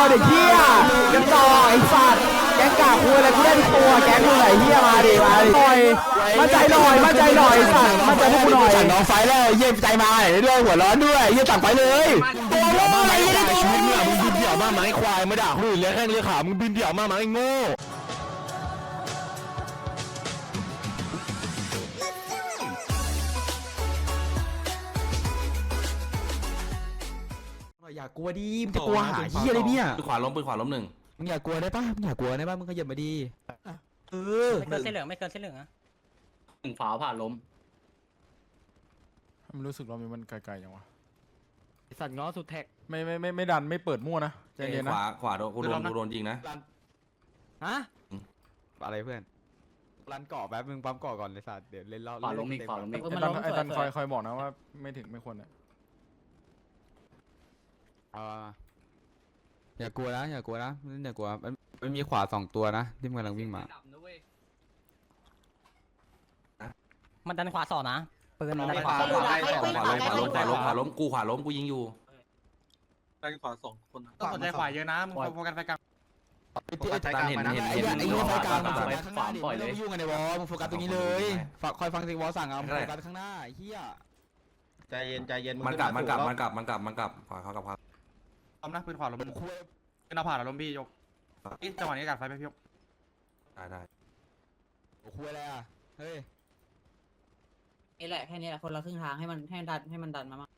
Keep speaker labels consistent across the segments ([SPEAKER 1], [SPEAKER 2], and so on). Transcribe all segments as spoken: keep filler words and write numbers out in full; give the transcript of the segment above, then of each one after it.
[SPEAKER 1] เด็กเหี้ยกันต่อไอ้สัตว์แกงกากคุยอะไรกูได้ทุกตัวแกงมึงไอ้เหี้ยมาดิมาดิหน่อยมั่นใจหน่อยมั่นใจหน่อยสัตว์มั่นใจพวกกูหน่อยน้องไฟแล้วเยี่ยมใจมาด้วยหัวร้อนด้วยเยี่ยมสั่งไฟเลยตัวโง่อะไรเนี่ยชีวิตเนี่ยมึงบินเดี่ยวมากไหมควายไม่ด่าคนอื่นเลยแค่เลี้ยขามึงบินเดี่ยวมากไหมโง่อย่ากลัวดิมึงจะกลัวหาเหี้ยอะไรเนี่ย
[SPEAKER 2] ปืนขวาล้มปืนขวาล้มหนึ่ง
[SPEAKER 1] มึงอย่ากลัวได้ป่ะมึงอย่ากลัวได้ป่ะมึงขยับมาดีเออ
[SPEAKER 3] ไม่เกินเส้นเหลืองไม่เกินเส้นเหลืองอะ
[SPEAKER 2] หนึ่งฝาผ่านล้ม
[SPEAKER 4] มันรู้สึกเรามีมันไกลๆอย่างวะ
[SPEAKER 3] สัตว์ง้อสุดแท็ก
[SPEAKER 4] ไม่ไม่ไม่ไม่ดันไม่เปิดมั่วนะใจเย็นนะ
[SPEAKER 2] ขวาขวาโดนกูโดนกูโดนยิงนะ
[SPEAKER 1] ฮะอะไรเพื่อนรันเกาะแป๊บมึงปั๊มเกาะก่อนเลยสัตว์เดี๋ยวเล่นรอบ
[SPEAKER 2] ขวาล้มอีกขวาล้มอีก
[SPEAKER 4] ไอ้ตันคอยคอยบอกนะว่าไม่ถึงไม่ควรเนี่ย
[SPEAKER 1] อย่ากลัวนะอย่ากลัวนะอย่ากลัวมันมันมีขวาสองตัวนะที่มันกำลังวิ่งมา
[SPEAKER 3] มันดันขวาสอนะปืนมันดันขวา
[SPEAKER 2] ขวาล้มขวาล้มขวาล้มขวาล้มขวาล้มกูขวาล้มกูยิงอยู่
[SPEAKER 5] ด้านขวาสองคนต้องสนใจขวาเยอะนะมึงโฟกัสไฟกลาง
[SPEAKER 2] ตันเห็นเห็นเห็น
[SPEAKER 1] ไอ้เหี้ยไฟกลางมึงโฟกัสข้างหน้าดิไม่ต้องยุ่งกันในวอลมึงโฟกัสตรงนี้เลยคอยฟังสิวอลสั่งเอาโฟกัสข้างหน้าไอ้เหี้ย
[SPEAKER 5] ใจเย็นใจเย็น
[SPEAKER 2] มันกลับมันกลับมันกลับมันกลับมันกลับขวาเขากลับขวา
[SPEAKER 5] ล้มนะปืนขวาล้มเป็นเอาผ่านล้มพี่ยกจังหวะนี้กัดไฟไปพี่ยก
[SPEAKER 2] ได้ได้
[SPEAKER 1] โอ้คุยอะไรอ่ะเฮ้ย
[SPEAKER 6] นี่แหละแค่นี้แหละคนละครึ่งทางให้มันให้ดันให้มันดันมามาก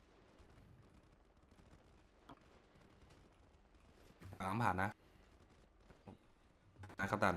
[SPEAKER 2] น้ำผ่านนะนะครับตัน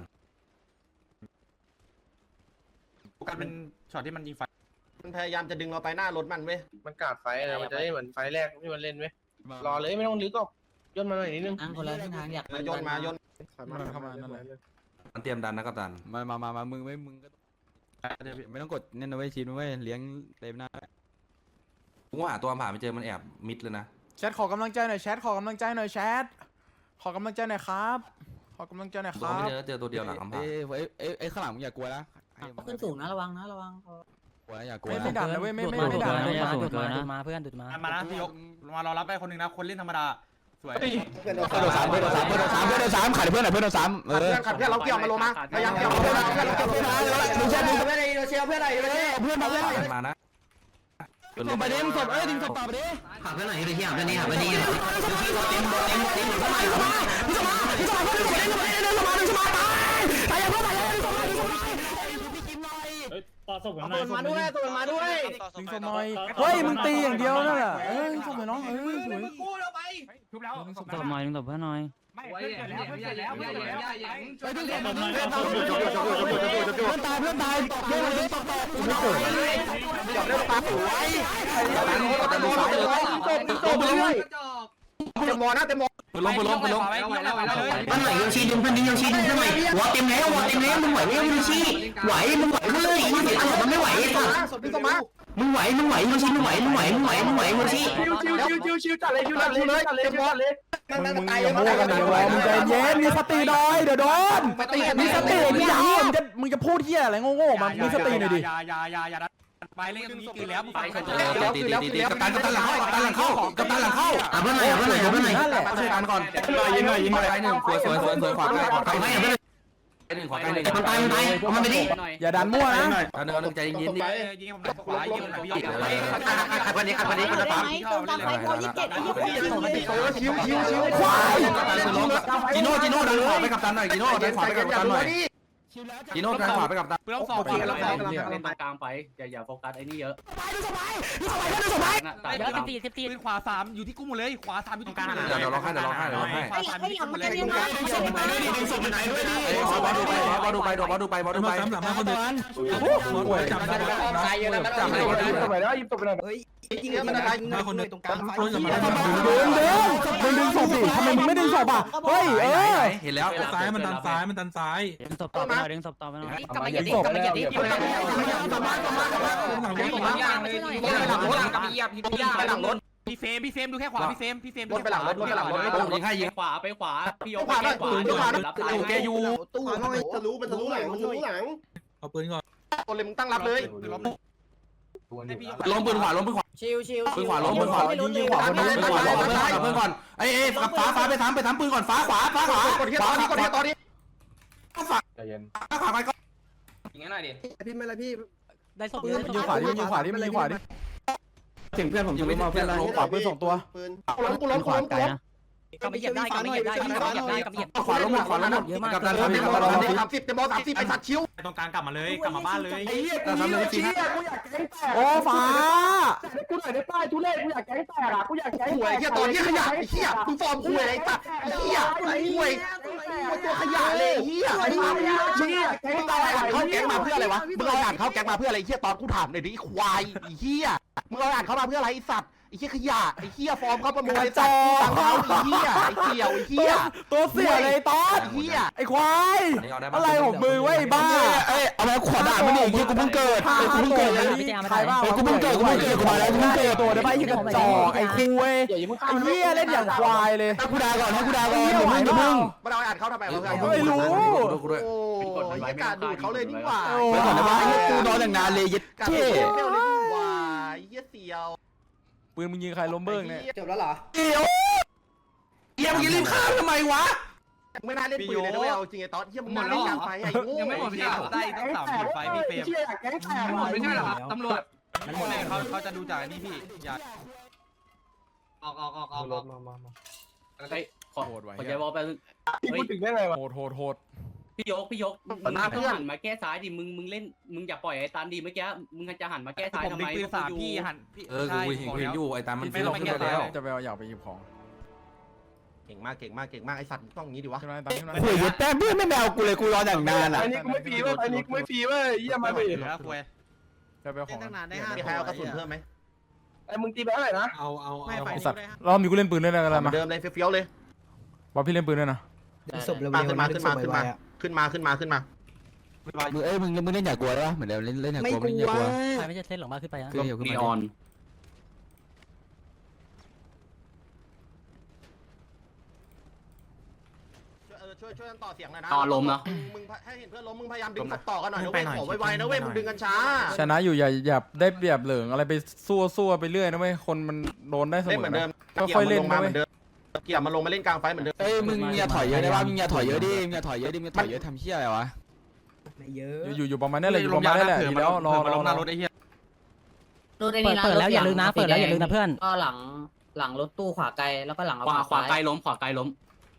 [SPEAKER 5] กันเป็นช็อตที่มันยิงไฟ
[SPEAKER 7] มันพยายามจะดึงเราไปหน้ารถมันเว้ย
[SPEAKER 8] มันกาดไฟอะไรมันจะได้เหมือนไฟแรกที่มันเล่นเว้ยรอเลยไม่ต้องลึกหรอกย่นมาหน่อยนิดนึง
[SPEAKER 6] นั่งคนละครึ่งทางอยาก
[SPEAKER 7] โยนมาโยน
[SPEAKER 4] มันเข้ามานั่นแหละ
[SPEAKER 2] มันเตรียมดันนะครับตัน
[SPEAKER 1] มามามามามึงไม่มึงก็ไม่ต้องกดเน้นเอาไว้ชีนไว้เลี้ยงเต็มหน้า
[SPEAKER 2] กูหาตัวผ่านไม่เจอมันแอบมิดเลยนะ
[SPEAKER 4] แชทขอกำลังใจหน่อยแชทขอกำลังใจหน่อยแชทขอกำลังใจหน่อยครับขอกำลังใจหน่อยครับ
[SPEAKER 2] ไม่เจอเจอตัวเดียวหลังผ่าน
[SPEAKER 1] เอ้ยเอ้ยเอ้ยข้างหลังมึงอย่ากลัวนะ
[SPEAKER 6] ขึ้นสูงนะระวังนะระวัง
[SPEAKER 1] กลัวนะอย่ากลัว
[SPEAKER 4] ไม่ดันนะเว้ยไม่ไม่ไม่ดัน
[SPEAKER 3] นะดูดมาดูดมาเพื่อนดูดมา
[SPEAKER 5] มานะพี่ยกมารอรับไปคนหนึ่งนะคนเล่นธรรมดาสวย
[SPEAKER 7] เพื่อนโดน
[SPEAKER 1] สามเพื่อนโดนสามเพื่อนโดนสามเพื่อนโดนสามขัดเพื่อนหน่อยเพื่อนโดนสามเออ
[SPEAKER 7] ขัดเพื่อนเราเกี่ยวมาลงมาพยายามเกี่ยวเพื่อนเพื่อนเกี่ยวเพื่อนดูเชียร์ดูเพื่อนดูเชียร์เพื่อนอะไรเพื่อนมาเพื่อน
[SPEAKER 2] มานะ
[SPEAKER 1] ต่อไปดิมึงศพเอ้ยดึงศพต่อไปดิ
[SPEAKER 3] หาเพื่อนไหนไปที่หาเพื่อนนี้หาเพื่อนนี้เต็มเต็มเต็มเต็มเข้ามาเข้ามาพี่สมาพี่สมาเพื่อนเล่นเล่นเล่นสมาดึงสมาตายตายยังเพื่อนตายยังดึงสมาดึงสมาพี่กินหน่อย
[SPEAKER 7] ต่อศพมาด้วยตัวมาด้วย
[SPEAKER 4] ดึงศพหน่อยเฮ้ยมึงตีอย่างเดียวนั่นแหละเอ้ยศพหน่อยน้องเอ้ยสวย
[SPEAKER 7] กูเราไป
[SPEAKER 3] ทุบแล้วศพหน่อยดึงศพเพื่อนหน่อย
[SPEAKER 7] ไม่เพื่อนเกิดแล้วเพื่อนเกิดแล้วเพื่อนเกิดแล้ว
[SPEAKER 1] ไปดึงศพหน่อยเพื่อนตายเพื่อนตายตบเพื่อนเลยตบตบไม่เกิด
[SPEAKER 7] จับได้ปาสวยเต็มซ้ายเลยตบไปเรื่อยเต็มมอนะเต็มมอ
[SPEAKER 2] ไปล้มไปล้มไปล้ม
[SPEAKER 3] มันไหวโยชิดึงเพื่อนนี้โยชิดึงทำไมหัวเต็มแล้วหัวเต็มแล้วมึงไหวไหมโยชิไหวมึงไหวเลยมึงเสียอะไรมันไม่ไหวสัตว์มึงไหวมึงไหวโยชิมึงไหวมึงไหวมึงไหวมึงไหวโยชิ
[SPEAKER 7] ชิวชิวชิวชิวชิวจัดเลยชิวจัดเลยจัดเลยเต็มมอเลย
[SPEAKER 4] มึงมึงอย่าโม้กันเดี๋ยวมึงใจเย็นมีสติหน่อยเดี๋ยวโดนมีสติมีอย่างมึงจะมึงจะพูดเหี้ยอะไรโง่ๆมามีสติหน่อยดิ
[SPEAKER 5] ยายายายาไปเล่นนี้คือแล้วมึงไป
[SPEAKER 7] แล้วคือแล้วคือแล้ว
[SPEAKER 2] กัปตันกัปตันหลังเข้ากัปตันหลังเข้ากัปตันหลังเข้า
[SPEAKER 3] อ่ะเพื่อนไหนเพื่อนไหนเพื่อนไหน
[SPEAKER 4] นั่นแหละ
[SPEAKER 2] ช่วยกันก่อนยิงหน่อยยิงหน่อยหนึ่งสวยสวยสวยสวยขวาใกล้ขวาใกล้หนึ่งขวาใกล้หนึ่ง
[SPEAKER 3] มันตายมันตายเอามันไปดิ
[SPEAKER 4] อย่าดันมั่วนะ
[SPEAKER 2] เอาหนึ่งเอาหนึ่งใจเย็นดิ
[SPEAKER 5] ยิงผมขวายิงผมพี่ยก
[SPEAKER 2] ขัดพันนี้ขัดพันนี้ขัดพันนี้
[SPEAKER 6] ตรงกลางไฟโคยี่สิบเจ็ดไอ้ยี่สิบ
[SPEAKER 7] ชิวชิวชิว
[SPEAKER 2] ควายกัปตันคือล้มจีโน่จีโน่ดันขวาไปกัปตันหน่อยจีโน่ดันขวาไปกัปตันหน่อยจีโน่ดันขวาไปกัปตัน
[SPEAKER 5] เพื่อนสอบเพื่อนสอบ
[SPEAKER 8] เล่นตรงกลางไปอย่าอย่าโฟกัสไอ้นี่เยอะ
[SPEAKER 3] เดี๋ยวสิบสี่สิบสี่
[SPEAKER 5] ปืนขวาสามอยู่ที่กูหมดเลยขวาสามอยู่ตรงกลาง
[SPEAKER 2] เดี๋ยวเดี๋ยวร้องไห้เดี๋ยวร้องไห้เดี๋ยวร้องไห้
[SPEAKER 6] ไอ้หลังไอ้หลังมันจะเรียนนะ
[SPEAKER 2] ดึงศพไปด้วยดิดึงศพไปไหนด้วยดิบอลดูไปบอลดูไปบอลดูไปบอลดูไป
[SPEAKER 4] หลังมาคนเดินจับจับ
[SPEAKER 7] ตายเยอะแล้วตบไปแล้วยิงตบไปแล้วเฮ้ยจริงๆมันอะไรมาคนเดินตรงกลางไฟ
[SPEAKER 4] ดึงดึงมึงดึงศพดิทำไมมึงไม่ดึงศพอ่ะเฮ้ยเออ
[SPEAKER 2] เห็นแล้ว
[SPEAKER 5] ซ้ายมันดันซ้ายมันดันซ้าย
[SPEAKER 3] ดึงศพต่อไปหน่อยดึงศพต่อไปหน่อย
[SPEAKER 6] กลับมาเหยียบดิกลับมาเหยียบดิกลับมาเหยียบดิ
[SPEAKER 7] หลังรถหลังกับเหยียบไปหลังรถ
[SPEAKER 5] พี่เฟมพี่เฟมดูแค่ขวาพี่เฟมพี่เฟม
[SPEAKER 7] รถไปหลังรถรถไปหลังรถไม่ต้อง
[SPEAKER 2] ยิงให้ยิง
[SPEAKER 8] ขวาไปขวาพี่ยก
[SPEAKER 7] ขวา
[SPEAKER 8] ไปขวา
[SPEAKER 7] รับตู้แกอยู่ตู้ทะลุมันทะลุหลังมันทะลุหลัง
[SPEAKER 5] เอาปืนก่อน
[SPEAKER 7] คนเลยมึงตั้งรับเลย
[SPEAKER 2] ล้มปืนขวาล้มปืนขวา
[SPEAKER 6] ชิวชิว
[SPEAKER 2] ปืนขวาล้มปืนขวายิงยิงขวาปืนขวาล้มปืนขวาเพื่อนก่อนไอ้เอ้ฟ้าฟ้าไปทำไปทำปืนก่อนฟ้าขวาฟ้าขวาก
[SPEAKER 7] ดเทียตอนนี้กดเทียตอนนี้
[SPEAKER 2] ฟ้าขวาไปก็
[SPEAKER 8] ยิงให้หน่อยดิ
[SPEAKER 7] พี่ไม่ละพี่
[SPEAKER 6] ได้ศพ
[SPEAKER 4] ยิงขวาดิยิงขวาดิยิงขวาดิ
[SPEAKER 2] ถึงเพื่อนผมยังไม่มาเพื่อนเรา
[SPEAKER 4] ขวาปืนสองตัว
[SPEAKER 7] ปืนล้มกูล้มกูล้มกูล้ม
[SPEAKER 6] ก็ไม่เหยียบได้ก็ไม่เหยียบได้ก็ไม่เหยียบได้ก็ไม่เหยียบ
[SPEAKER 2] ขวาล้มหมดขวาล้มหมดกับตัน
[SPEAKER 7] สาม
[SPEAKER 2] ทำ
[SPEAKER 7] สิ
[SPEAKER 2] นี่
[SPEAKER 7] บ
[SPEAKER 2] กับตันทำนี่
[SPEAKER 7] สามสิบเต็มบอลสามสิบไอ้สัตว์ชิว
[SPEAKER 5] ตรงกลางกลับมาเลยกลับมาบ้านเลย
[SPEAKER 7] ไอ้เหี้ยกูเหี้ยเชี่ยกูอยากแก๊งแตก
[SPEAKER 4] โอ้ฟ้า
[SPEAKER 7] กูหน่อยได้ป้ายทุเรศกูอยากแก๊งแตกอ่ะกูอยากแก๊งแตกไอ้เหี้ยตอนนี้ขยะไอ้เหี้ยมึงฟอร์มคุยอะไรตัดไอ้เหี้ยไอ้คุยตัวขยะเลยไอ้เหี้ยไอ้เหี้ยแก๊งตายเข้าแก๊งมาเพื่ออะไรวะมึงเอาอ่านเข้าแก๊งมาเพื่ออะไรเหี้ยตอนกูถามหน่อยดิควายไอ้เหี้ยมึงเอาอ่านเข้ามาเพื่ออะไรไอ้สัตว์ไอ้เหี้ยขยะไอ้เหี้ยฟอร์มเขาประมูลไอ้สัตว์ตังเขาไอ้เหี้ยไอ้เกี่ยวไอ้เหี้ย
[SPEAKER 4] ตัวเสียเลยตอน
[SPEAKER 7] ไอ้เหี้ย
[SPEAKER 4] ไอ้ควายอะไรของมึงเว้ยบ้า
[SPEAKER 1] เอ้ยเอามาขวาด่ามันดิยี่กูเพิ่งเกิด
[SPEAKER 4] ฆ่า
[SPEAKER 1] กูเพิ่งเกิด
[SPEAKER 4] เลยใครบ้า
[SPEAKER 1] กูเพิ่งเกิดกูเพิ่งเกิดกูมาแล้วกูเพิ่งเกิด
[SPEAKER 4] ตัวได้ป่ะยี่กระจอกไอ้คุยไอ้เหี้ยเล่นอย่างควายเลย
[SPEAKER 1] ให้กูด่าก่อนให้กูด่าก่อนอย่ามึงอย่ามึง
[SPEAKER 7] มาเอาอ่านเขาทำไมวะ
[SPEAKER 4] ไม่รู้
[SPEAKER 2] กูด้วย
[SPEAKER 7] โอ้ยอากาศดูดเขาเลยนี่หว่า
[SPEAKER 1] ไปก่อนนะว่าไอ้กูนอนอย่างนานเลยยัด
[SPEAKER 7] การ
[SPEAKER 1] เท่
[SPEAKER 7] ดูดเขาเลยนี่หว่าเหี้ยเสียว
[SPEAKER 4] ปืนมึงยิงใครล้มเบิ้งเนี่ย
[SPEAKER 7] จบแล้วเหรอ
[SPEAKER 2] เดี๋ยวเยี่ยมยิงรีบข้ามทำไมวะ
[SPEAKER 7] ไม่น่าเล่นปืนเลยนะเว้ยเอาจริงไอ้ต๊อดเหี้ยมึงน่าเล่นอย่างไฟไอ้โง่
[SPEAKER 5] ยังไม่หมดพี่ได้ต้องสามหมดไฟพี่เฟรม
[SPEAKER 7] เชี่ยอยากแก๊งแตก
[SPEAKER 5] ไม่ใช่หรอตำรวจเขาเขาจะดูจากนี่พี่อย่าออกออกออกออกออก
[SPEAKER 3] ขอ
[SPEAKER 4] โหดไว้
[SPEAKER 3] ขอใจวอลไป
[SPEAKER 7] พูดถึงได้ไงวะ
[SPEAKER 4] โหดโหดโหด
[SPEAKER 3] พี่ยกพี่ยกมึงต้องหันมาแก้ซ้ายดิมึงมึงเล่นมึงอย่าปล่อยไอ้ตันดีเมื่อกี้มึงจะหันมาแก้ซ้าย
[SPEAKER 5] ผม
[SPEAKER 3] ทำ
[SPEAKER 5] มี
[SPEAKER 3] ไม
[SPEAKER 5] ปืนสามพี่หันพี่
[SPEAKER 2] เออกูเห็นกูเห็นอยู่ไอ้ตามัน
[SPEAKER 4] ไม่ลงขึ้นแล้วจะไปเอาอยากไปหยิบของ
[SPEAKER 7] เก่งมากเก่งมากเก่งมากไอ้สัตว์ต้องอย่างนี้ดิวะ
[SPEAKER 4] ขึ้นมาตามขึ้นมา
[SPEAKER 1] คุยยัดแต้มเพื่อนไม่แมวกูเลยกูรออย่างนานอ่ะ
[SPEAKER 7] อันนี้กูไม่ฟรีเว้ยอันนี้กูไม่ฟรีเว้ยเยี่ยมมาไป
[SPEAKER 5] แล้วคุย
[SPEAKER 4] จะไปเอาของ
[SPEAKER 7] มีใครเอากระสุนเพิ่มไหม
[SPEAKER 8] ไอ้มึงตีไปเท่าไหร่นะ
[SPEAKER 5] เอาเอาเอา
[SPEAKER 4] ไอ้สัตว์รอบนี้กูเล่นปืนด้วยนะอะไร
[SPEAKER 7] เหมื
[SPEAKER 4] มา
[SPEAKER 7] อนเดิมเลยเฟี้ยวๆเลย
[SPEAKER 4] บอสพี่เล่นปืนด้วยนะ
[SPEAKER 7] มาขึ้นมาขึ้นมาขึ้นมาขึ้นมาขึ้นมาขึ้นมา
[SPEAKER 1] มึงเอ้ยมึงมึงเล่นอย่ากลัวได้ปะเหมือนเดิมเล่นเล่นอย่ากลัวไม่อย่ากลัว
[SPEAKER 6] ใครไม่ใช่เส้นหลงมาขึ้นไปนะ
[SPEAKER 1] คืออย่าขึ้น
[SPEAKER 3] นี
[SPEAKER 1] มา
[SPEAKER 3] ออน
[SPEAKER 7] เออช่วยช่วยกันต่อเสียงหน่อยนะ
[SPEAKER 3] ตอนล้มนะ
[SPEAKER 7] มึงให้เห็นเพื่อนล้มมึงพยายามดึงศพต่อกันหน่อยนะเว้ยขอไวๆนะเว้ยมึงดึงกันช้า
[SPEAKER 4] ชนะอยู่อย่าอย่าได้เปรียบเหลิงอะไรไปสู้สู้ไปเรื่อยนะเว้ยคนมันโดนได้เส
[SPEAKER 7] เล่น
[SPEAKER 4] ม
[SPEAKER 7] เหมื
[SPEAKER 4] อ
[SPEAKER 7] อนเดิ
[SPEAKER 4] นะ
[SPEAKER 7] ม
[SPEAKER 4] ค่อยๆเล่น
[SPEAKER 7] มา
[SPEAKER 4] นะ
[SPEAKER 7] เห
[SPEAKER 4] เว้
[SPEAKER 7] มื
[SPEAKER 4] ย
[SPEAKER 7] อนเดิมเกี่ยวมาลงมาเล่นกลางไฟเหมือนเดิม
[SPEAKER 1] เอ้ยมึงอย่าถอยเยอะได้ป่ะมึงอย่าถอยเยอะดิมึงอย่าถอยเยอะดิมึงถอยเยอะทำเชี่ยอะไรวะ
[SPEAKER 4] อยู่อยู่ประมาณนี้แหละอยู่ประมาณนี้แหละดีแล้วรอร
[SPEAKER 5] ล
[SPEAKER 4] อง
[SPEAKER 5] หน้ารถไอ้เหี้ย
[SPEAKER 6] รถไอ้นี่นะ
[SPEAKER 9] เปิดแล้วอย่าลืมนะเปิดแล้วอย่าลืมนะเพื่อน
[SPEAKER 6] ก็หลังหลังรถตู้ขวาไกลแล้วก็หลัง
[SPEAKER 3] ขวาขวาไกลล้มขวาไกลล้ม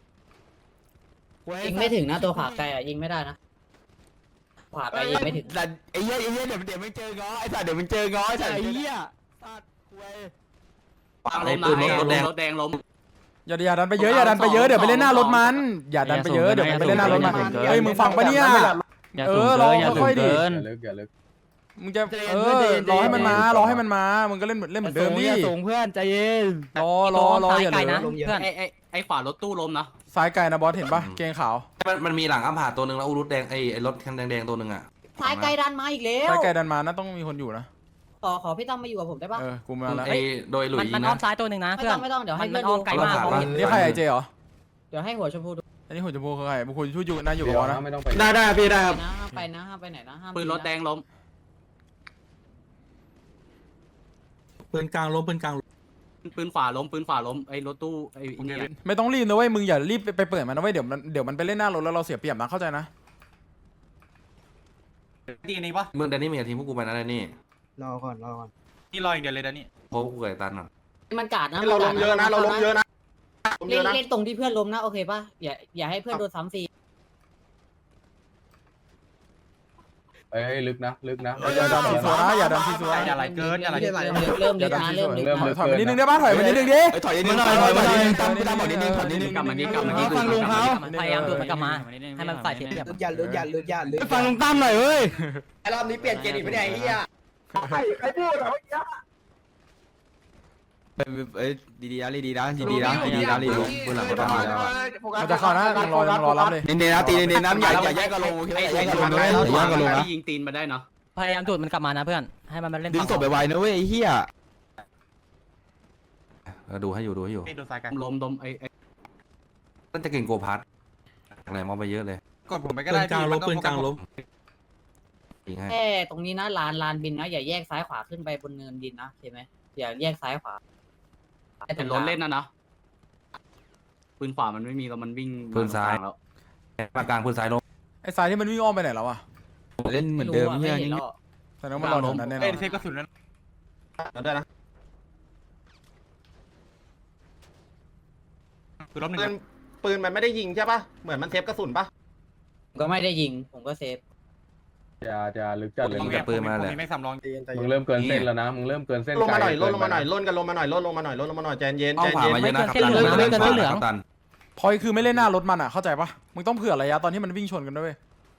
[SPEAKER 6] ยิงไม่ถึงนะตัวขวาไกลอ่ะยิงไม่ได้นะขวาไกลยิงไม่ถึง
[SPEAKER 1] แต่ไอ้เหี้ยไอ้เหี้ยเดี๋ยวเดี๋ยวมึงเจอง้อไอ้สัตว์เดี๋ยวมึงเจอง้อไอ้สัตว์ไอ้เหี้ยสัตว์คุย
[SPEAKER 3] ล้มนะรถแดงรถแดงล้ม
[SPEAKER 4] อย่าอย่าดันไปเยอะอย่าดันไปเยอะเดี๋ยวไปเล่นหน้ารถมันอย่าดันไปเยอะเดี๋ยวไปเล่นหน้ารถมันเฮ้ยมึงฟังปะเนี่ยเออรอค่อยๆดิมึงจะเออรอให้มันมารอให้มันมามึงก็เล่นเล่นเหมือนเดิมดิ
[SPEAKER 9] สูงเพื่อนใจเย็น
[SPEAKER 4] รอรอรออย่า
[SPEAKER 9] ไกล
[SPEAKER 4] เหลื
[SPEAKER 9] นะ
[SPEAKER 4] อ
[SPEAKER 9] เพื่อน
[SPEAKER 3] ไอ้ไอ้ไอ้ขวารถตู้ล้มนะ
[SPEAKER 4] ซ้ายไกลนะบอสเห็นปะเกงขาว
[SPEAKER 2] มันมันมีหลังอ้ำผ่าตัวหนึ่งแล้วอุรุตแดงไอ้ไอ้รถคันแดงๆตัวหนึ่งอ่ะ
[SPEAKER 6] ซ้ายไกลดันมาอีกแล้ว
[SPEAKER 4] ซ้ายไกลดันมานะต้องมีคนอยู่นะ
[SPEAKER 6] ขอขอพี่ตั้มมาอยู่กับผมได้ปะ
[SPEAKER 4] เออกูมาแล้ว
[SPEAKER 2] ไอ้โดยหลุ
[SPEAKER 9] มั
[SPEAKER 2] ย
[SPEAKER 9] น
[SPEAKER 2] ยิ
[SPEAKER 9] มัน
[SPEAKER 2] ง
[SPEAKER 9] อ้อ
[SPEAKER 2] นะ
[SPEAKER 9] มซ้ายตัวหนึ่งนะ
[SPEAKER 6] ไม่
[SPEAKER 9] เพื่อ
[SPEAKER 6] ต้อน งไม่ต้องเดี๋ยวให้
[SPEAKER 9] มั
[SPEAKER 6] เพื่อน น
[SPEAKER 9] อ้
[SPEAKER 6] ดู
[SPEAKER 9] อมไกลมากมองเห็น
[SPEAKER 4] นี่ใครไอเจเหรอ
[SPEAKER 6] เดี๋ยวให้หัวชมพูดู
[SPEAKER 4] อันนี้หัวจมูกคือใครบุคคลช่วยอยู่น่าอยู่กับวอนะ
[SPEAKER 1] ได้ได้พี่ได้ครับ
[SPEAKER 6] นะห้ามไปนะห้ามไปไหนนะห้าม
[SPEAKER 3] ปืนรถแดงล้ม
[SPEAKER 5] ปืนกลางล้มปืนกลาง
[SPEAKER 3] ปืนขวาล้มปืนขวาล้มไอ้รถตู้ไอ้นี่
[SPEAKER 4] ไม่ต้องรีบนะเว้ยมึงอย่ารีบไปเปิดมันนะเว้ยเดี๋ยวมันเดี๋ยวมันไปเล่นหน้ารถแล้วเราเสียเปรียบนะเข้าใจนะ
[SPEAKER 5] ดีนี่ปะ
[SPEAKER 2] เมืองแดนนี่มีทีมพวกกูไปนะแดนนี่
[SPEAKER 8] รอก่อนรอก่อน
[SPEAKER 5] นี่รออย่างเดียวเลยนะนี่
[SPEAKER 2] เพราะกูกับไอ้ตันอ่ะ
[SPEAKER 6] มันกาดนะ
[SPEAKER 7] เราล้มเยอะนะเราล้มเยอะนะล้มเย
[SPEAKER 6] เล่น
[SPEAKER 7] อะนะ
[SPEAKER 6] เล่นตรงที่เพื่อนล้มนะโอเคปะอย่าอย่าให้เพื่อนโดนซ้ำซี
[SPEAKER 8] เอ้ยลึกนะลึกนะ
[SPEAKER 4] อย่าดันทีซัวนะอย่าดันทีซัว
[SPEAKER 5] อย่าไหลเกินอย่าไหลเกิน
[SPEAKER 6] เริ่มเริ่มเลยนะเริ่มเลย
[SPEAKER 8] เริ่ม
[SPEAKER 4] ถอยไปนิดนึงได้ปะถอยไปนิดนึงดิ
[SPEAKER 1] ถอยนิดนึงถอยนิดนึงตามตามบอกนิดนึงถอยนิดนึง
[SPEAKER 3] กลับมานี่กลับมานี่
[SPEAKER 9] ฟังลุงเขาพยายามดูดมันกลับมาให้มันใส่เสียเปรียบ
[SPEAKER 8] ลึกอย่าลึกอย่าลึกอย่าลึก
[SPEAKER 1] ฟังลุงตั้มหน่อยเว้ย
[SPEAKER 7] ไอ้รอบนี้เปลี่ยนเกมอีกไม่ได้ไอ้เหี้ยใครใครพูดอ่ะ
[SPEAKER 1] เอ้ยดีดีนะดีดีนะดีดีนะดีดีนะดีดี
[SPEAKER 2] ปืนหลังก็ต้องมาแล้ว
[SPEAKER 4] มันจะเข้านะยังรอยังรอรับเลย
[SPEAKER 1] เน้นๆนะตีเน้นๆนะอย่าอย่าแยกกันลงโอเคอย่าแยกกันลงนะอย่าแยกกันลงนะ
[SPEAKER 3] ที่ยิงตีนมาได้เนาะ
[SPEAKER 9] พยายามดูดมันกลับมานะเพื่อนให้มันมาเล่น
[SPEAKER 1] ดึงศพไปไวนะเว้ยไอ้เหี้ย
[SPEAKER 2] ดูให้อยู่ดูให้อยู่
[SPEAKER 5] นี่โดนสายกัน
[SPEAKER 3] ล้มล้มไอ้ไอ้
[SPEAKER 2] นั่นจะเก่งโกพัทอะไรมองไปเยอะเลย
[SPEAKER 5] กดผมไปก็ได้ปืนกลางล้มปืนกลางล้ม
[SPEAKER 6] แค่ตรงนี้นะลานลานบินนะอย่าแยกซ้ายขวาขึ้นไปบนเนินดินนะเห็นไหมอย่าแยกซ้ายขวา
[SPEAKER 5] แต่รถเล่นนะนะปืนขวามันไม่มีแล้วมันวิ่ง
[SPEAKER 2] ปืนซ้ายแล้วมากลางปืนซ้ายลง
[SPEAKER 4] ไอ้สายที่มันวิ่งอ้อมไปไหนแล้ววะ
[SPEAKER 1] เล่นเหมือนเดิม
[SPEAKER 6] ไม่
[SPEAKER 1] เฮีย
[SPEAKER 6] เห็น
[SPEAKER 1] นี่
[SPEAKER 6] แล้ว
[SPEAKER 4] แสดงว่ามันรอตรงนั้นแน่น
[SPEAKER 5] เอ้
[SPEAKER 4] อย น
[SPEAKER 5] เซฟกระสุนนั้น
[SPEAKER 7] ได้นะ
[SPEAKER 5] คือรอบหนึ่ง
[SPEAKER 7] ปืนปืนมันไม่ได้ยิงใช่ปะเหมือนมันเซฟกระสุนปะ
[SPEAKER 6] ผมก็ไม่ได้ยิงผมก็เซฟ
[SPEAKER 10] จะจะลึกจัดเลย
[SPEAKER 5] ต้อง
[SPEAKER 10] มึง
[SPEAKER 5] แอบปืนมาเลยไม่สำรอง
[SPEAKER 10] มึงเริ่มเกินเส้นแล้วนะมึงเริ่มเกินเส้น
[SPEAKER 7] ลงมาหน่อย
[SPEAKER 10] ไก
[SPEAKER 7] ลงมาหน่อยลงกันลงมาหน่อยลงลงมาหน่อยลงลงมาหน่อยใจเย็น
[SPEAKER 2] อ้อ
[SPEAKER 7] ใจ
[SPEAKER 2] มขวา
[SPEAKER 7] เย็น
[SPEAKER 2] มาเยอะนะกัปตันกัปตัน
[SPEAKER 4] พอยคือไม่เล่นหน้ารถมันอ่ะเข้าใจปะมึงต้องเผื่อระยะตอนที่มันวิ่งชนกันด้วย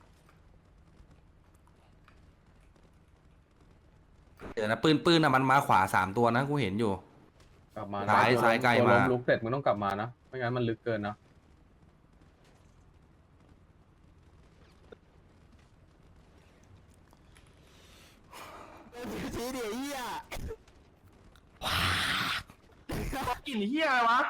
[SPEAKER 2] เดี๋ยวนะปืนปืนอ่ะมันมาขวาสามตัวนะกูเห็นอยู่
[SPEAKER 10] กลับมา
[SPEAKER 2] ซ้ายซ้ายไกลมา
[SPEAKER 10] ตัวล้มลุกเสร็จมึงต้องกลับมานะไม่งั้นมันลึกเกินนะ
[SPEAKER 7] กลิ่นเหี้ยอะไรวะ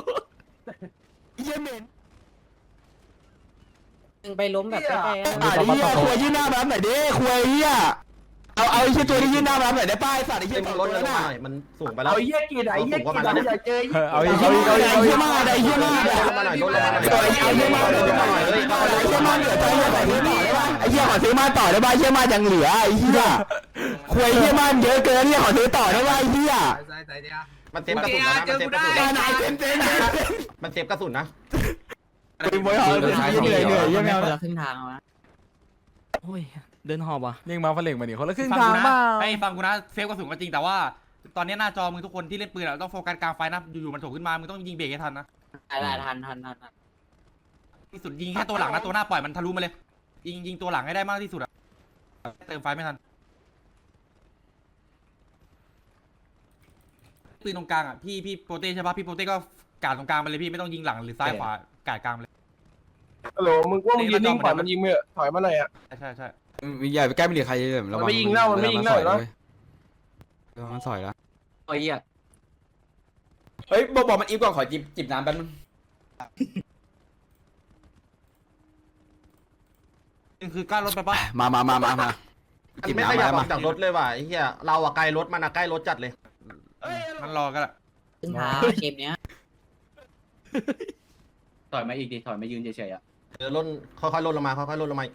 [SPEAKER 6] มึงไปล้มแบบใกล้ๆ
[SPEAKER 1] ไอ้เฮียคุยยื่นหน้าร้านหน่อยดิคุยเฮียเอาเอาไอ้เฮียตัวที่ยื่นหน้าร้านหน่อยได้ป้ายสัตว์ไอ้เฮี
[SPEAKER 7] เส้
[SPEAKER 1] ย
[SPEAKER 7] น
[SPEAKER 1] ร
[SPEAKER 7] ร
[SPEAKER 1] ถ
[SPEAKER 7] ถ
[SPEAKER 1] นั่
[SPEAKER 7] กัน
[SPEAKER 1] น
[SPEAKER 7] ลง
[SPEAKER 1] น่ะ
[SPEAKER 7] มาหน่อยมันสูงไปแล้ว
[SPEAKER 8] เอาเยี่ยกี่ไหนเยี่ยกี่ไหนอยากเจอ
[SPEAKER 4] เอาอีก
[SPEAKER 1] เอา
[SPEAKER 4] เอา
[SPEAKER 1] อี
[SPEAKER 4] อี
[SPEAKER 1] ก
[SPEAKER 4] ก
[SPEAKER 1] เอา
[SPEAKER 4] เอา
[SPEAKER 1] อี
[SPEAKER 4] อี
[SPEAKER 1] ก
[SPEAKER 4] ก
[SPEAKER 1] เอา
[SPEAKER 4] เอา
[SPEAKER 1] อี
[SPEAKER 4] อี
[SPEAKER 1] ก
[SPEAKER 4] ก
[SPEAKER 1] เอาเฮียมาได้เฮียมาเดี๋ยวเอาไอ้เฮียมาไอ้เฮียมาเหลือใจเฮียใส่มือต่อได้ปะไอ้เฮียขอซื้อมาต่อได้ปะไอ้เฮียมายังเหลือไอ้เฮียคุยเฮียมันเยอะเกินเฮียขอซื้อต่อได้ปะไอ้เฮีย
[SPEAKER 7] มันเซฟกระสุนนะมันเซฟกระสุน
[SPEAKER 1] นายเต็มเต็ม
[SPEAKER 7] มันเซฟกระสุนนะ
[SPEAKER 1] ปืนบอยหอยเหนื่อยเหนื่อยยังไง
[SPEAKER 6] คนละครึ่งทางเอานะ
[SPEAKER 9] โอ้ยเดินหอบว่ะ
[SPEAKER 4] เร่งมาฝรั่งมาดิคนละครึ่งทางเปล่า
[SPEAKER 5] ไอ้ฟังกูนะเซฟกระสุนก็จริงแต่ว่า ตอนนี้หน้าจอมึงทุกคนที่เล่นปืนต้องโฟกัสกลางไฟนะอยู่ๆมันโผล่ขึ้นมามึงต้องยิงเบรกให้ทันนะ
[SPEAKER 6] ได้ทันทันทันทัน
[SPEAKER 5] ที่สุดยิงแค่ตัวหลังนะตัวหน้าปล่อยมันทะลุมาเลยยิงยิงตัวหลังให้ได้มากที่สุดอะเติมไฟไม่ทันปืนตรงกลางอ่ะพี่พี่โปเต้ใช่ปะพี่โปเต้ก็กาดตรงกลางไปเลยพี่ไม่ต้องยิงหลังหรือซ้ายขวากาดกลางไปเลย
[SPEAKER 8] ฮัลโหลมึงว่ามึงยืนนิ่งปล่อยมันยิงมือถอยมาหน่อยอ่ะ
[SPEAKER 5] ใช่ใช่ใช่
[SPEAKER 1] อย่าไปใกล้ไม่เหลือใครเลยระวัง
[SPEAKER 8] มันไม่ยิงแล้วมันไม่ยิงแล้วเหรอ
[SPEAKER 1] ระวังมันสอยแล้ว
[SPEAKER 5] โอ้ยเหี้ย
[SPEAKER 1] เฮ้ยบอกบอกมันอีฟก่อนขอจิบจิบน้ำแป๊บนึง
[SPEAKER 5] คือกล้ารถไปปะ
[SPEAKER 1] มามามามามา
[SPEAKER 7] มัน
[SPEAKER 1] จิบ
[SPEAKER 7] ไม่
[SPEAKER 1] น้ำ
[SPEAKER 7] ขยับอ
[SPEAKER 1] มา
[SPEAKER 7] อกจากรถเลยว่ะไอ้เหี้ยเราอะไกลรถมันอะใกล้รถจัดเลย
[SPEAKER 5] มันรอกันละ
[SPEAKER 6] ครึ่งทางเกมเนี้ย
[SPEAKER 5] ถอยมาอีกดิถอยมายืนเฉยๆอ่ะ
[SPEAKER 7] เดี๋ยวล่นค่อยๆล่นลงมาค่อยๆล่นลงมา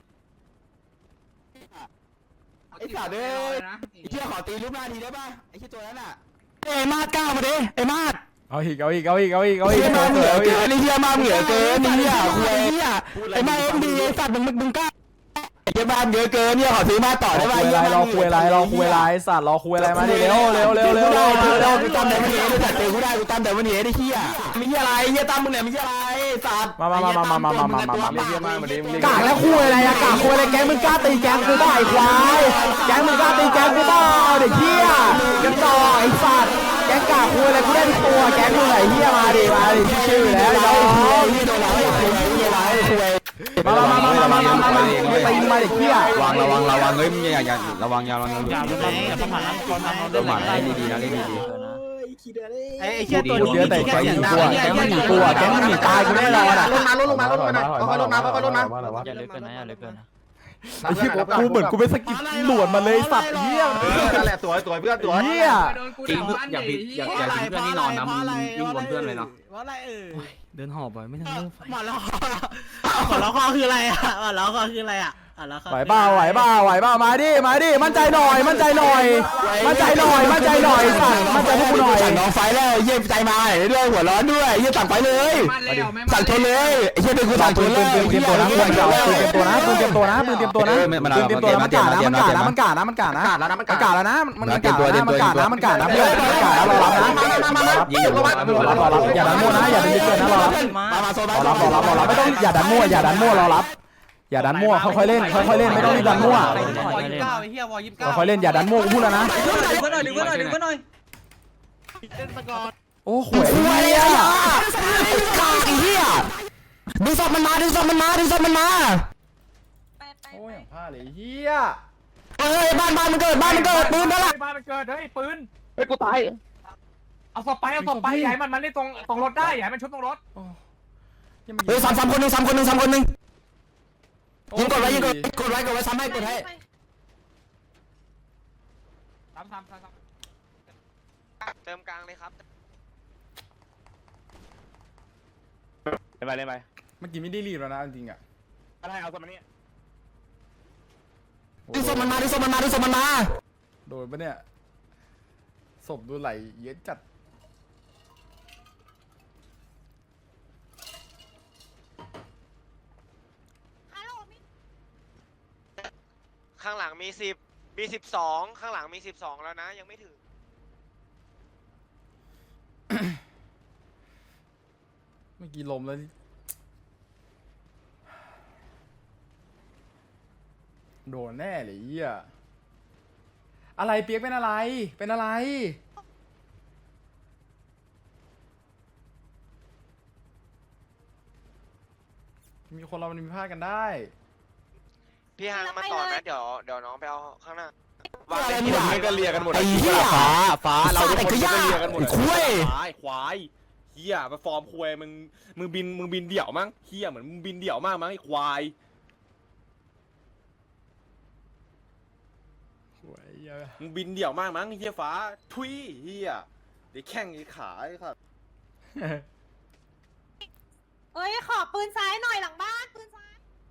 [SPEAKER 1] ไอ้สัตว์เอ้ยไอ้เชี่ยขอตีรูปหน้าทีได้ป่ะไอ้เชี่ยตัวนั้นอ่ะเอ้ยมาดก้าวมาดิไอ้มาด
[SPEAKER 4] เอาอีกเอาอีกเอาอีกเอาอีกเอาอีก
[SPEAKER 1] เชี่ยมาเหนือ
[SPEAKER 4] เอาอี
[SPEAKER 1] เกิ
[SPEAKER 4] ก
[SPEAKER 1] นไอ้เชี่ยมาเหนือเกินไอ้เชี่ยคุยไอ้มาเอ็มดีไอ้สัตว์มึงมึงมึงกล้าไอ้เชี่ยมาเหนือเกินเนี่ยขอซื้อมาต่อ
[SPEAKER 4] ร
[SPEAKER 1] ได้
[SPEAKER 4] อ
[SPEAKER 1] ป่ะ
[SPEAKER 4] คุยอะไรรอคุยอะไรรอคุยอะไรสัตว์รอคุยอะไรมาดิเร็วเร็วเร็วเร็วเร็วเร็วเร็ว
[SPEAKER 1] กูตามแต่วันนี้แต่เจอกูได้กูตามแต่วันนี้ไอ้เชี่ยมีอะไรเชี่ยตามมึงเนี่ยมีอะไรสัตว์
[SPEAKER 4] มามามามามามามามามา
[SPEAKER 1] เชี่ยมาเหมือนเดิม
[SPEAKER 4] กากแล้วคุยอะไรอะกากคุยอะไรแก๊งมึงกล้าตีแก๊งกูบ้าไอ้ควายแก๊งมึงกล้าตีแก๊งกูบ้าเอาเด็กเหี้ยกันต่อไอ้สัตว์แก๊งกากคุยอะไรกูได้ทุกตัวแก๊งมึงไอ้เหี้ยมาดิมาดิชื่อแล้วน้อง
[SPEAKER 1] นี่โดนแล้วไอ้คุยไอ้ไรคุย
[SPEAKER 4] มามามามามามามามาตีมาเด็กเหี้ย
[SPEAKER 1] ระวังระวังระวังเฮ้ยมึงอย่าอย่าระวังอย่าระวัง
[SPEAKER 9] อย่าอย่าประมาทนะก่อนนำเราเดินหลัง
[SPEAKER 1] เล่นดีๆนะเล่นดี
[SPEAKER 9] ไอ้ไอ้เชี่ยตัว
[SPEAKER 4] พูดเยอะแต่แก๊งหนีกลัวแก๊งมันหนีกลัวแก๊งมันหนีตายกูแน่นอนอ่ะ
[SPEAKER 7] ลงมาลงลงมาลงมาหน่อยค่อยๆลงมาค่อยๆลงมา
[SPEAKER 9] อย่าลึกเกินนะอย่าลึกเกินนะ
[SPEAKER 4] ไอ้เหี้ยกูเหมือนกูไปสกิปหลวนมาเลยสัตว์เหี้ย
[SPEAKER 7] นั่นแหละสวยสวยเพื่อนสวย
[SPEAKER 4] เหี้ย
[SPEAKER 5] จริงอย่าพิอย่าอย่าทิ้งเพื่อนที่นอนนะมึงยิ่งวนเพื่อนเลยเนาะ
[SPEAKER 9] เดินหอบไปไม่ทันเริ่มไฟ
[SPEAKER 6] หมดแล้วหมดแล้วก็คืออะไรอ่ะหมดแล้วก็คืออะไรอ่ะ
[SPEAKER 4] ไหวบ้าไหวบ้าไหวบ้ามาดิมาดิมั่นใจหน่อยมั่นใจหน่อยมั่นใจหน่อยมั่นใจหน่อยสั่งมั่นใจพวกกูหน่อย
[SPEAKER 1] สั่งน้องไฟแล้วเยี่ยมใจมาด้วยหัวร้อนด้วยเยี่ยสั่งไฟเลยสั่งชนเลยไอ้เชี่ยเป็นกูสั่งช
[SPEAKER 4] ปื
[SPEAKER 1] น
[SPEAKER 4] น
[SPEAKER 1] เล
[SPEAKER 4] ปื
[SPEAKER 1] ย
[SPEAKER 4] นปืนเตรียมตัวนะปืนเตรียมตัวนะปืนเตรียมตัวนะปืนเตรียมตัวนะปืนเตรียมตัวนะปืนเตรียมตัวนะมันกาดนะมันกาดนะมันกาดนะมันกาดนะ
[SPEAKER 7] กาดแล้วนะมัน
[SPEAKER 4] มัน
[SPEAKER 7] กาด
[SPEAKER 4] กาดแล้วนะมันมันกาดแล้วนะมันกาดนะมันกาดนะเพื่อนมันกาดนะรอรับนะ
[SPEAKER 1] ยิง
[SPEAKER 4] รอรับรอรับอย่าดันมั่วนะอย่าดันเกินนะรอรับ
[SPEAKER 1] มามาโซน
[SPEAKER 4] รอรับรอรับรอรับไม่ต้องอย่าดันมั่วอย่าดันมั่วรอรับอย่าดันมั่วค่อยๆเล่นค่อยๆเล่นไม่ต้องรีบดันมั่ว
[SPEAKER 5] วอยี่สิบเก้าไอ้เหี้ยวอยี่สิบเก้า
[SPEAKER 4] ค่อยๆเล่นอย่าดันมั่วกูพูดแล้วนะ
[SPEAKER 6] ดึงเพื่อนหน่อยดึงเพื่อนหน่อยดึงเพื่อนหน่อย
[SPEAKER 4] โอ้โหเหี้ย
[SPEAKER 1] กากไอ้เหี้ยดึงศพมันมาดึงศพมันมาดึงศพมันมา
[SPEAKER 4] โอ้ยอย่างผ้าเลยเหี้ย
[SPEAKER 1] เฮ้ยบ้านบ้านมันเกิดบ้านมันเกิดปืนนั่นแหละ
[SPEAKER 5] บ้านมันเกิดเฮ้ยปืน
[SPEAKER 7] เฮ้ยกูตาย
[SPEAKER 5] เอาศพไปเอาศพไปอย่าให้มันมันเล่นตรงตรงรถได้อย่าให้มันชุบตรงรถ
[SPEAKER 1] เฮ้ยสามสามคนหนึ่งสามคนหนึ่งสามคนหนึ่ง
[SPEAKER 4] ยังไม่ยิง
[SPEAKER 1] เฮ้ยสามสามคนหนึ่งสามคนหนึ่งสามคนหนึ่ง ยิงกดไว้ยิงกดกดไว้กดไว้ซ้ำให้กดให้
[SPEAKER 5] ซ้ำซ้ำซ้ำ
[SPEAKER 8] เติมกลางเลยครับ
[SPEAKER 1] เล่นไปเล่นไป
[SPEAKER 4] เมื่อกี้ไม่ได้รีบแล้วนะจริงๆอ่ะ
[SPEAKER 1] อะไรเอาตัวมาเนี่ย
[SPEAKER 4] ดึงศพมันมาดึงศพมันมาดึงศพมันมาโดนปะเนี่ยศพดูไหลเยอะจัด
[SPEAKER 8] ข้างหลังมีสิบมีสิบสองข้างหลังมีสิบสองแล้วนะยังไม่ถึง
[SPEAKER 4] เมื่อกี้ลมแล้วโดนแน่เลยเหี้ยอะไรเปียกเป็นอะไรเป็นอะไรมีคนเรามันมีพลาดกันได้
[SPEAKER 8] พี่ฮังมาต่อนะเดี๋ยวเดี๋ยวน้องไปเอาข้างหน้า
[SPEAKER 1] ว่าอะไรนี่ด่าก็เลียกันหมดไอ้เหี้ยฟ้าฟ้าเราทุกคนก็เลียกันหมดคุยควายควายเหี้ยมาฟอร์มคุยมึงมึงบินมึงบินเดี่ยวมั้งเหี้ยเหมือนมึงบินเดี่ยวมากมั้งไอ้ควายมึงบินเดี่ยวมากมั้งเหี้ยฟ้าทุยเหี้ยเดี๋ยวแข้งไอ้ขาไอ้ครับ
[SPEAKER 11] เอ้ยขอปืนซ้ายหน่อยหลังบ้านปืนซ้าย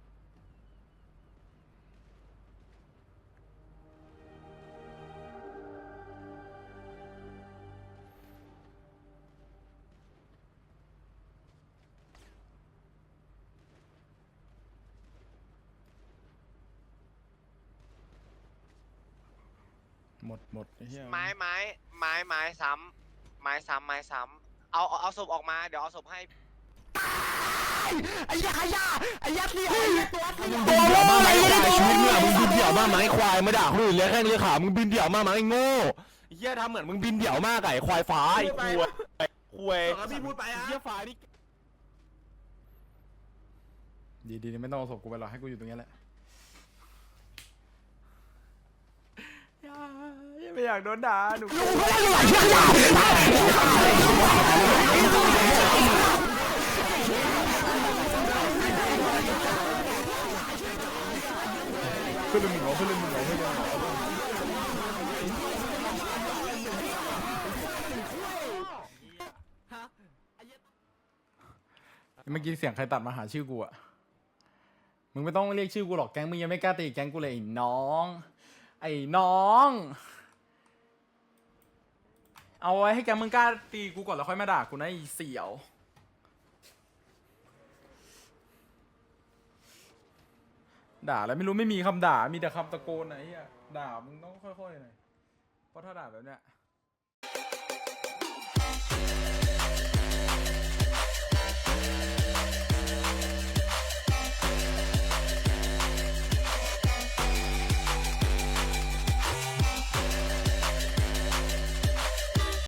[SPEAKER 4] หมดหมดไอ้เหี้ย
[SPEAKER 8] ไม้ไม้ไม้ไม้ซ้ำไม้ซ้ำไม้ซ้ำเอาเอาเอาศพออกมาเดี๋ยวเอาศพให้
[SPEAKER 1] ไอ้ยาขยะไอ้ยัดเลี้ยตัวตัวเดี่ยวมากไหมควายชีวิตมึงอะมึงบินเดี่ยวมากไหมควายมาด่าคนอื่นเลี้ยแข้งเลี้ยขามึงบินเดี่ยวมากไหมไอ้โง่เฮียทำเหมือนมึงบินเดี่ยวมากไอ้ควายฟ้าไอ้ควายควายพี่พูดไปอ่ะเฮียฟ้านี่
[SPEAKER 4] ดีดีไม่ต้องเอาศพกูไปหรอกให้กูอยู่ตรงนี้แหละอย่าไม่อยากโดนด่าหนูลุงเขาเรียกว่าเชี่ยยาเพื่อนมึงเหรอเพื่อนมึงเหรอเพื่อนมึงเหรอเมื่อกี้เสียงใครตัดมาหาชื่อกูอะมึงไม่ต้องเรียกชื่อกูหรอกแก๊งมึงยังไม่กล้าตีแก๊งกูเลยไอ้น้องไอ้น้องเอาไว้ให้แก๊งมึงกล้าตีกูก่อนแล้วค่อยมาด่ากูนะไอ้เสี่ยวด่าแล้วไม่รู้ไม่มีคำด่ามีแต่คำตะโกนไหนอ่ะด่ามึงต้องค่อยๆหน่อยเพราะถ้าด่าแบบเนี้ย